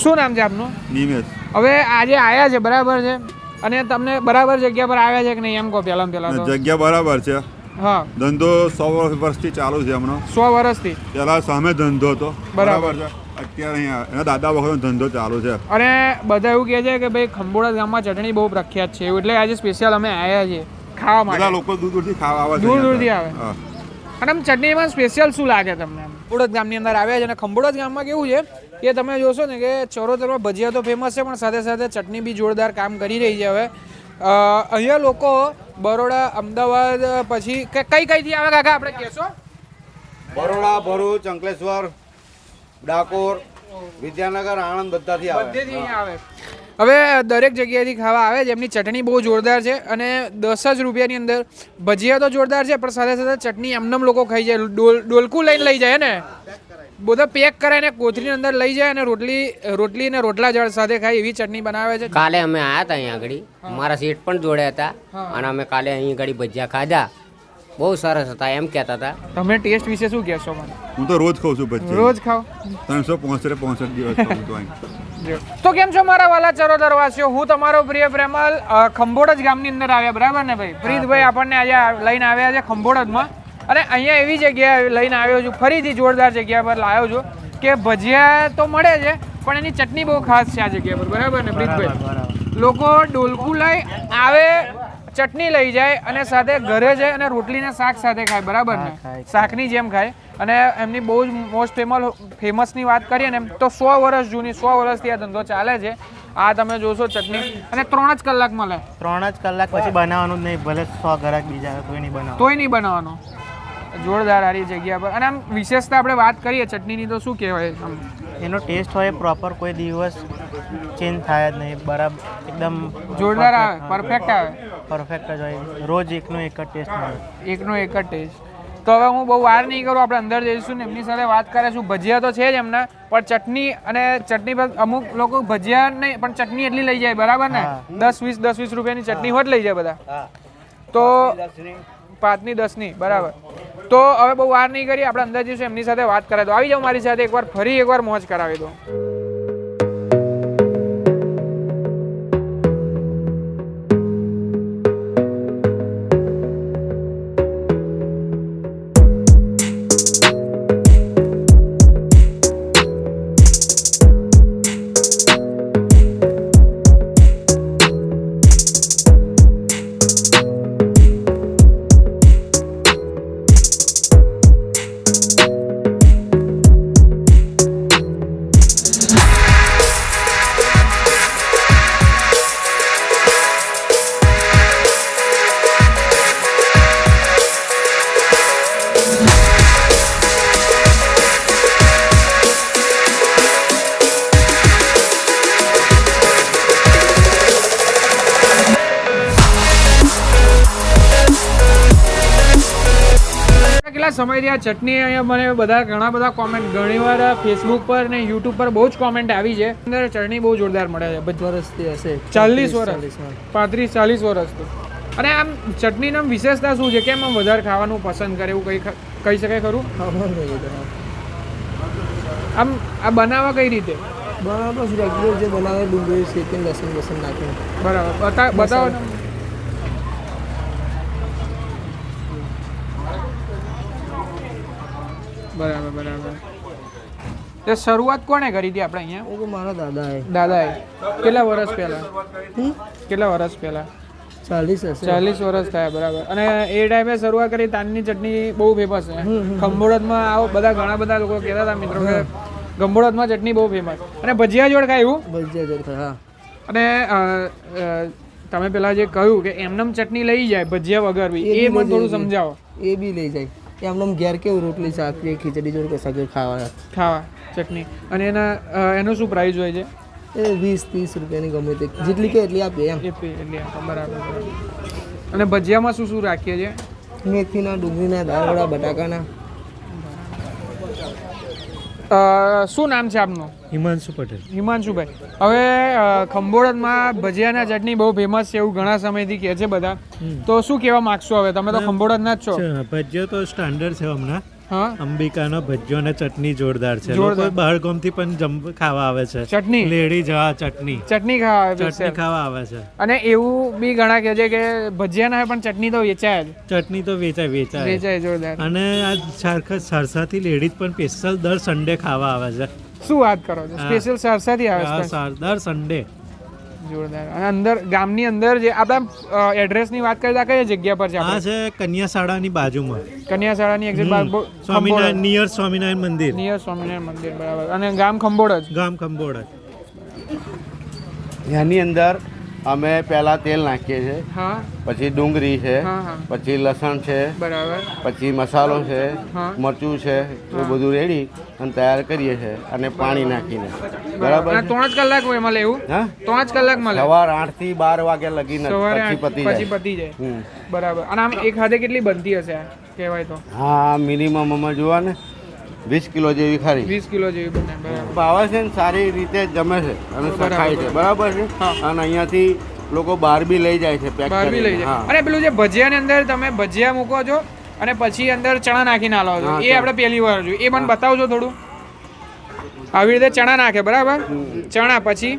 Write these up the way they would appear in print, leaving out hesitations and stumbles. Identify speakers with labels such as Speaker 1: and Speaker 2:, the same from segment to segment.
Speaker 1: શું નામ છે આપનું?
Speaker 2: નિમેશ.
Speaker 1: હવે આજે આયા છે બરાબર છે અને તમને બરાબર જગ્યા પર આવ્યા છે કે નહીં એમ કહો પહેલા તો?
Speaker 2: જગ્યા બરાબર છે.
Speaker 1: હા.
Speaker 2: ધંધો 100 વર્ષથી ચાલુ છે હમણાં.
Speaker 1: 100 વર્ષથી?
Speaker 2: પેલા સામે ધંધો હતો.
Speaker 1: બરાબર
Speaker 2: છે. અત્યારે અહીંયા એના દાદા વખતનો ધંધો ચાલુ છે.
Speaker 1: અને બધા એવું કહે છે કે ભાઈ ખંભોળા ગામમાં ચટણી બહુ પ્રખ્યાત છે એટલે આજે સ્પેશિયલ અમે આવ્યા છીએ ખાવા માટે.
Speaker 2: બધા લોકો દૂર દૂરથી ખાવા આવે છે.
Speaker 1: દૂર દૂરથી આવે. અને આમ ચટણીમાં સ્પેશિયલ શું લાગે તમને? ખંભોળા ગામની અંદર આવ્યા છે અને ખંભોળા ગામમાં કેવું છે કે તમે જોશો ને કે ચરોતરમાં ભજીયા તો ફેમસ છે પણ સાથે સાથે ચટણી બી જોરદાર કામ કરી રહી છે. હવે અહીંયા લોકો બરોડા, અમદાવાદ પછી કઈથી આવે કાકા આપણે કહેશો?
Speaker 3: બરોડા, ભરૂચ, અંકલેશ્વર, ડાકોર, વિદ્યાનગર, આણંદ બધાથી
Speaker 1: આવે. હવે દરેક જગ્યાએથી ખાવા આવે છે. એમની ચટણી બહુ જોરદાર છે અને 10 જ રૂપિયાની અંદર ભજીયા તો જોરદાર છે પણ સાથે સાથે ચટણી એમનેમ લોકો ખાઈ જાય. ડોલકું લઈને લઈ જાય ને બધા પેક કરાવીને કોથળીની અંદર લઈ જાય અને રોટલી ને રોટલા જળ સાથે ખાય એવી ચટણી બનાવે છે.
Speaker 4: કાલે અમે આવ્યા હતા અહીંયા આગળ, મારા શેઠ પણ જોડે હતા અને અમે કાલે અહીં આગળ ભજીયા ખાધા. બહુ સરસ હતા એમ કહેતા હતા.
Speaker 1: તમે ટેસ્ટ વિશે શું કહેશો મને?
Speaker 2: હું તો રોજ ખાઉં છું ભજીયા.
Speaker 1: રોજ ખાઓ?
Speaker 2: 365 દિવસ ખાઉં છું.
Speaker 1: તો કેમ છો મારા વાલા ચરોતરવાસીઓ? હું તમારો પ્રિય પ્રેમલ ખંભોળજ ગામની અંદર આવ્યા બરાબર ને ભાઈ? પ્રીતભાઈ આપણને આજે લઈને આવ્યા છે ખંભોળજમાં અને અહીંયા એવી જગ્યાએ લઈને આવ્યો છું, ફરીથી જોરદાર જગ્યા પર લાવ્યો છું કે ભજીયા તો મળે છે પણ એની ચટણી બહુ ખાસ છે આ જગ્યા પર બરાબર ને પ્રીતભાઈ? લોકો ડોલકું લઈ આવે, ચટણી લઈ જાય અને સાથે ઘરે જાય અને રોટલીને શાક સાથે ખાય બરાબર ને? શાકની જેમ ખાય. અને એમની બહુ જ મોસ્ટ ફેમસની વાત કરીએ ને તો 100 વર્ષ જૂની, 100 વર્ષથી આ ધંધો ચાલે છે. આ તમે જોશો ચટણી અને 3 જ કલાક મળે.
Speaker 5: 3 જ કલાક પછી બનાવવાનું જ નહીં, ભલે 100 ગ્રાહક બીજા તોય નહીં બનાવવાનું.
Speaker 1: તોય નહીં બનાવવાનો. જોરદાર આરી જગ્યા પર. અને આમ વિશેષતા આપણે વાત કરીએ ચટણીની તો શું કહેવાય?
Speaker 5: એનો ટેસ્ટ હોય પ્રોપર, કોઈ દિવસ ચેન્જ થાય જ નહીં, બરાબર એકદમ
Speaker 1: જોરદાર આવે, પરફેક્ટ આવે.
Speaker 5: પરફેક્ટ જ હોય, રોજ એકનો એક જ ટેસ્ટ મળે.
Speaker 1: એકનો એક જ ટેસ્ટ. તો હવે હું બહુ વાર નહીં કરું, આપણે અંદર જઈશું ને એમની સાથે વાત કરીશું. ભજીયા તો છે જ એમના પણ ચટણી અને ચટણી પર અમુક લોકો ભજીયા નહીં પણ ચટણી એટલી લઈ જાય બરાબર ને? 10-20 રૂપિયાની ચટણી હોત લઈ જાય બધા. તો 5ની 10ની બરાબર. તો હવે બહુ વાર નહીં કરી, આપણે અંદર જઈશું એમની સાથે વાત કરાવી દો. આવી જાઓ મારી સાથે એકવાર, ફરી એકવાર મોજ કરાવી દો. સમયથી આ ચટણી અહીંયા મને ઘણા બધા કોમેન્ટ, ઘણીવાર ફેસબુક પર ને યુટ્યુબ પર બહુ જ કોમેન્ટ આવી છે. અંદર ચટણી બહુ જોરદાર મળે છે. 40 વર્ષથી હશે. 40 વર્ષ, 35-40 વર્ષથી. અને આમ ચટણીની વિશેષતા શું છે? કેમ આમ વધારે ખાવાનું પસંદ કરે એવું કહી શકાય ખરું? આમ આ બનાવવા કઈ રીતે?
Speaker 6: બનાવવા રેગ્યુલર જે બનાવે, ડુંગળી શેકીને લસણ નાખીને.
Speaker 1: બરાબર, બતાવો. બરાબર. તે શરૂઆત કોણે કરી હતી આપણે અહીંયા?
Speaker 6: એ તો મારા
Speaker 1: દાદાએ. કેટલા વર્ષ પહેલા? 40 વર્ષ થયા બરાબર. અને એ ટાઈમે શરૂઆત કરી. તાનની ચટણી બહુ ફેમસ છે ખંભોળજમાં. આવો ઘણા બધા લોકો કહેતા હતા મિત્રો કે ખંભોળજમાં ચટણી બહુ ફેમસ. અને ભજીયા જોડ ખાય એવું?
Speaker 6: ભજીયા જોડ ખાય.
Speaker 1: અને તમે પેલા જે કહ્યું કે એમનેમ ચટણી લઈ જાય ભજીયા વગર બી, એ મને થોડું સમજાવો.
Speaker 6: એ બી લઈ જાય એમનેમ ઘેર કેવું રોટલી શાક ખીચડી જોડે કશા ખાવા
Speaker 1: ચટણી. અને એનો શું પ્રાઇસ હોય છે?
Speaker 6: એ 20-30 રૂપિયાની ગમે તે જેટલી કે એટલી આપીએ એમ.
Speaker 1: બરાબર. અને ભજીયામાં શું શું રાખીએ છીએ?
Speaker 6: મેથીના, ડુંગળીના, દાળવડા, બટાકાના.
Speaker 1: શું નામ છે આપનું?
Speaker 5: હિમાંશુ પટેલ.
Speaker 1: હિમાંશુભાઈ, હવે ખંભોળજમાં ભજીયાના ચટણી બહુ ફેમસ છે એવું ઘણા સમયથી કહે છે બધા, તો શું કહેવા માંગશો? હવે તમે તો ખંભોળજના જ છો.
Speaker 5: ભજીયા તો સ્ટાન્ડર્ડ છે હમણાં,
Speaker 1: હા
Speaker 7: અંબિકાનો ભજીયો અને ચટણી જોરદાર છે.
Speaker 1: જોરદાર.
Speaker 7: લોકો બહાર ગામથી પણ ખાવા આવે છે.
Speaker 1: ચટણી
Speaker 7: લેડી જવા ચટણી
Speaker 1: ચટણી ખાવા આવે
Speaker 7: ચટણી
Speaker 1: special.
Speaker 7: ખાવા આવે છે.
Speaker 1: અને એવું બી ઘણા કહે છે કે ભજીયા ના હોય પણ ચટણી તો વેચાય જ
Speaker 7: ચટણી તો વેચાય
Speaker 1: વેચાય જોરદાર.
Speaker 7: અને આ સરસાથી લેડીઝ પણ સ્પેશિયલ દર સન્ડે ખાવા આવે છે.
Speaker 1: શું વાત કરો છો? સ્પેશિયલ સરસાથી આવે છે
Speaker 7: દર સન્ડે.
Speaker 1: જોરદાર. અને અંદર ગામની અંદર જે આપણા એડ્રેસની વાત કરીએ કઈ જગ્યા પર છે
Speaker 7: આ
Speaker 1: આપણે?
Speaker 7: છે કન્યાશાળાની બાજુમાં
Speaker 1: કન્યાશાળાની એક્ઝેક્ટ
Speaker 7: સ્વામિનારાયણ નિયર સ્વામિનારાયણ મંદિર.
Speaker 1: નિયર સ્વામિનારાયણ મંદિર બરાબર. અને ગામ ખંભોળ જ.
Speaker 7: ગામ કંબોડ.
Speaker 3: એની અંદર અમે પહેલાં તેલ નાખીએ છીએ,
Speaker 1: હા
Speaker 3: પછી ડુંગળી છે,
Speaker 1: હા હા
Speaker 3: પછી લસણ છે,
Speaker 1: બરાબર.
Speaker 3: પછી મસાલો છે,
Speaker 1: હા.
Speaker 3: મરચું છે, એ બધું રેડી અને તૈયાર કરીએ છીએ અને પાણી નાખીને. બરાબર
Speaker 1: અને
Speaker 3: છે?
Speaker 1: 3 જ કલાક હોય મળે એવું?
Speaker 3: હા
Speaker 1: 3 જ કલાક મળે
Speaker 3: સવાર 8 થી 12 વાગ્યા લગીને
Speaker 1: સવારે
Speaker 3: પછી
Speaker 1: 8
Speaker 3: પતી
Speaker 1: પછી
Speaker 3: જાય.
Speaker 1: પતી જાય.
Speaker 3: હમ.
Speaker 1: બરાબર. અને આમ એક હાથે કેટલી બનતી હશે આ કહેવાય તો?
Speaker 3: હા મિનિમમ અમે જોવા ને 20 કિલો જેવી ખરી
Speaker 1: 20 કિલો જેવી બને. બરાબર.
Speaker 3: ભાવે છે ને સારી રીતે જમે છે અને
Speaker 1: બરાબર.
Speaker 3: ખાય છે. બરાબર છે?
Speaker 1: હા.
Speaker 3: અને અહીંયાથી લોકો બહાર બી લઈ જાય છે પેક
Speaker 1: બહાર બી લઈ
Speaker 3: કરીને.
Speaker 1: જાય.
Speaker 3: હા.
Speaker 1: અને પેલું જે ભજીયાની અંદર તમે ભજીયા મૂકો છો અને પછી અંદર ચણા નાખીને આલો છો,
Speaker 3: હા,
Speaker 1: એ
Speaker 3: ચણા.
Speaker 1: આપણે પહેલી વાર જોયું. એ મને બતાવજો થોડું. આવી રીતે ચણા નાખે બરાબર. ચણા પછી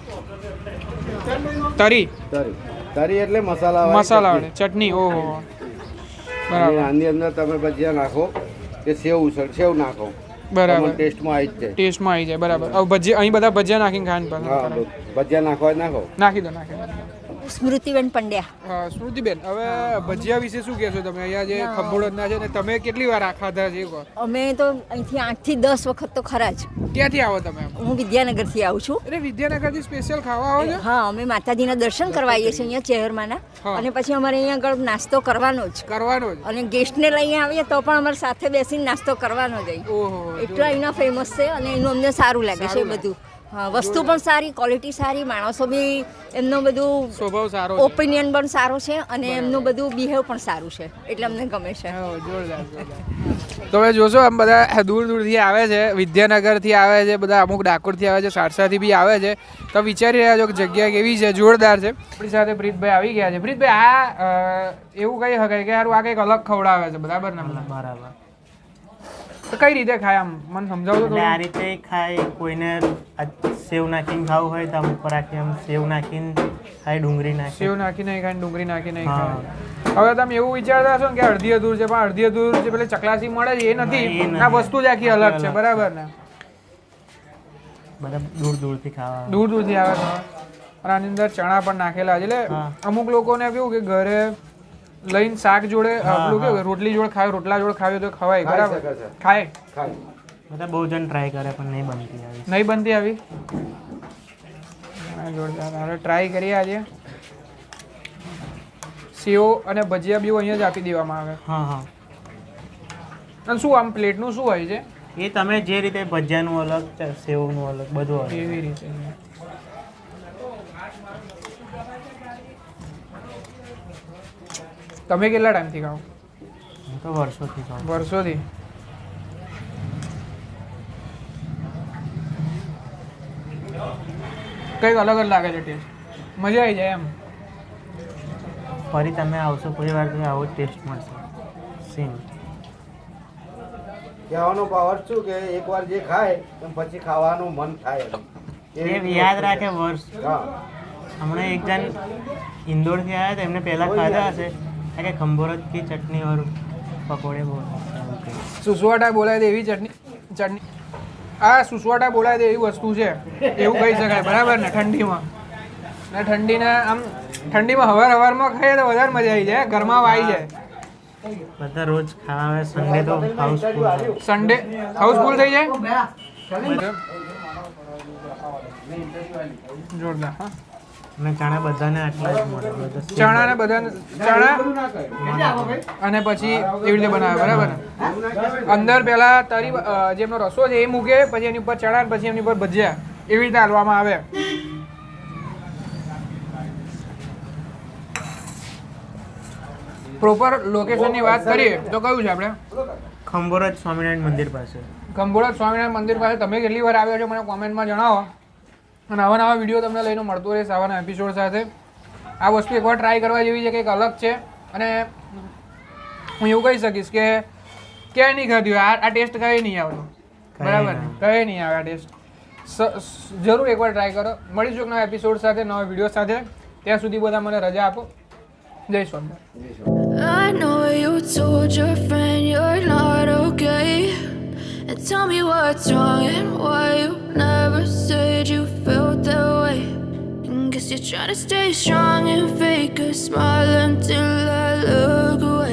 Speaker 1: તરી
Speaker 3: તરી એટલે મસાલા વાળી
Speaker 1: મસાલા
Speaker 3: ચટણી.
Speaker 1: વાળી ચટણી. ઓહો
Speaker 3: અને
Speaker 1: બરાબર
Speaker 3: આની અંદર તમે ભજીયા નાખો કે સેવ નાખો,
Speaker 1: બરાબર.
Speaker 3: ટેસ્ટમાં આવી જ જાય.
Speaker 1: ટેસ્ટમાં આવી જાય બરાબર. હવે ભજીયા અહીં બધા ભજીયા નાખીને ખાવાનું પસંદ
Speaker 3: હા
Speaker 1: કરે.
Speaker 3: ભજીયા નાખો જ નાખો.
Speaker 1: નાખી દો નાખી દો.
Speaker 8: સ્મૃતિબેન પંડ્યા.
Speaker 1: સ્મૃતિબેન, હવે ભજીયા વિશે શું કહેશો તમે? અહીંયા જે ખંભોળના છે ને તમે કેટલી વાર આ ખાધા છે? એ કહો.
Speaker 8: અમે તો અહીંથી 8 થી 10 વખત તો ખરા જ.
Speaker 1: ક્યાંથી આવો તમે?
Speaker 8: હું વિદ્યાનગરથી આવું છું.
Speaker 1: અરે વિદ્યાનગરથી સ્પેશિયલ ખાવા આવો છો?
Speaker 8: હા અમે માતાજીના દર્શન કરવા આવીએ છીએ અહીંયા ચેહરમાંના.
Speaker 1: હા.
Speaker 8: અને પછી અમારે અહીંયા આગળ નાસ્તો કરવાનો જ.
Speaker 1: કરવાનો જ.
Speaker 8: અને ગેસ્ટને લઈને આવીએ તો પણ અમારે સાથે બેસીને નાસ્તો કરવાનો જ અહીં.
Speaker 1: ઓહો
Speaker 8: એટલા અહીંના ફેમસ છે અને એનું અમને સારું લાગે છે
Speaker 1: સારું
Speaker 8: બધું. હા વસ્તુ પણ સારી, ક્વોલિટી સારી, માણસો બી એમનો બધું
Speaker 1: સ્વભાવ સારો છે.
Speaker 8: ઓપિનિયન પણ સારો છે અને એમનું બધું બિહેવ પણ સારું છે એટલે અમને ગમે છે.
Speaker 1: હા, જોરદાર, જોરદાર. તો હવે જોશો આમ બધા દૂર દૂરથી આવે છે, વિદ્યાનગરથી આવે છે, બધા અમુક ડાકોરથી આવે છે, સારસાથી બી આવે છે. તો વિચારી રહ્યા છો કે જગ્યા કેવી છે? જોરદાર છે. આપણી સાથે પ્રીતભાઈ આવી ગયા છે. પ્રીતભાઈ, આ એવું કહી શકાય કે યાર આ કંઈક અલગ ખવડાવે છે બરાબર ને?
Speaker 5: બરાબર.
Speaker 1: તો કઈ રીતે ખાય આમ મને સમજાવજો
Speaker 5: એટલે આ
Speaker 1: થોડું.
Speaker 5: રીતે ખાય. કોઈને આ સેવ નાખીને ખાવું હોય તો આમ ઉપર રાખી આમ સેવ નાખીને ખાય, ડુંગળી નાખી.
Speaker 1: સેવ નાખી નહીં ખાય, ડુંગળી નાખી નહીં
Speaker 5: હા.
Speaker 1: ખાય. હવે તમે એવું વિચારતા હશો ને કે અડધી અધૂર છે, પણ અડધી અધૂર જે પેલી ચકલાસી મળે છે એ
Speaker 5: હા, એ
Speaker 1: નથી.
Speaker 5: નથી.
Speaker 1: આ વસ્તુ જ આખી અલગ છે બરાબર ને?
Speaker 5: બધા દૂર દૂરથી ખાવા આવે.
Speaker 1: દૂર દૂરથી આવે છે. અને આની અંદર ચણા પણ નાખેલા છે. એટલે
Speaker 5: હા.
Speaker 1: અમુક લોકોને કેવું કે ઘરે લઈને શાક જોડે પેલું કેવું કે રોટલી જોડે ખાય, રોટલા જોડે ખાવી તો ખવાય બરાબર?
Speaker 3: શકે છે.
Speaker 1: ખાય.
Speaker 5: બધા બહુ જણ ટ્રાય કરે પણ નહીં બનતી આવી.
Speaker 1: નહીં બનતી આવી? હા, જોરદાર. હવે ટ્રાય કરીએ આજે. સેવ અને ભજીયા બી અહીંયા જ આપી દેવામાં આવે.
Speaker 5: હા હા.
Speaker 1: અને શું આમ પ્લેટનું શું હોય છે?
Speaker 5: એ તમે જે રીતે ભજીયાનું અલગ, સેવનું અલગ, બધું અલગ.
Speaker 1: એવી રીતે. તમે કેટલા ટાઈમથી ખાઓ?
Speaker 5: હું તો વર્ષોથી ખાઉં.
Speaker 1: વર્ષોથી. કંઈક અલગ જ લાગે છે ટેસ્ટ. મજા આવી જાય એમ.
Speaker 5: ફરી તમે આવશો કોઈ વાર તો આવો ટેસ્ટ મળશે સેમ.
Speaker 3: કહેવાનો પાવર શું કે એકવાર જે ખાય તો પછી ખાવાનું મન થાય એમ. એવી
Speaker 5: એ યાદ રાખે વર્ષ.
Speaker 3: હા
Speaker 5: હમણાં એક જણ ઇન્દોરથી આવ્યા હતા, એમને પહેલાં ખાધા હશે કે ખંભોરજથી ચટણી વાળું પકોડે બહુ એવું કંઈ.
Speaker 1: સુસવાટા બોલાય દે એવી ચટણી. આ સુસવાટા બોલાય દે એવી વસ્તુ છે એવું કહી શકાય બરાબર ને? ઠંડીમાં ને ઠંડીના આમ ઠંડીમાં હવારમાં ખાઈએ તો વધારે મજા આવી જાય, ઘરમાં આવી જાય.
Speaker 5: બધા રોજ ખાવા આવે. સન્ડે તો હાઉસફુલ.
Speaker 1: સન્ડે હાઉસફુલ થઈ જાય. જોરદાર. હા,
Speaker 5: અને ચણા બધાને આટલા જ મળે. બધા same.
Speaker 1: ચણા ને બધા ચણા અને પછી એવી રીતે બનાવે બરાબર ને? અંદર પેલા તરી જે એમનો રસો છે એ મૂકે, પછી એની ઉપર ચણા, પછી એની ઉપર ભજીયા, એવી રીતે હાલવામાં આવે. પ્રોપર લોકેશનની વાત કરીએ તો કયું છે આપણે?
Speaker 5: ખંભોરજ સ્વામિનારાયણ મંદિર પાસે.
Speaker 1: ખંભોળા સ્વામિનારાયણ મંદિર પાસે. તમે કેટલી વાર આવ્યો છો મને કોમેન્ટમાં જણાવો. અને આવા નવા વિડીયો તમને લઈને મળતો રહેશે, આવાના એપિસોડ સાથે. આ વસ્તુ એકવાર ટ્રાય કરવા જેવી છે, કંઈક અલગ છે. અને હું એવું કહી શકીશ કે ક્યાંય નહીં ખાધું આ ટેસ્ટ કઈ નહીં આવતો બરાબર ને કઈ નહીં આવે આ ટેસ્ટ જરૂર એકવાર ટ્રાય કરો. મળીશું એક નવા એપિસોડ સાથે, નવા વિડીયો સાથે. ત્યાં સુધી બધા મને રજા આપો. જય Swaminarayan.
Speaker 9: I know you told your friend you're not okay. And tell me what's wrong and why you never said you felt that way. And guess you're trying to stay strong and fake a smile until I look away.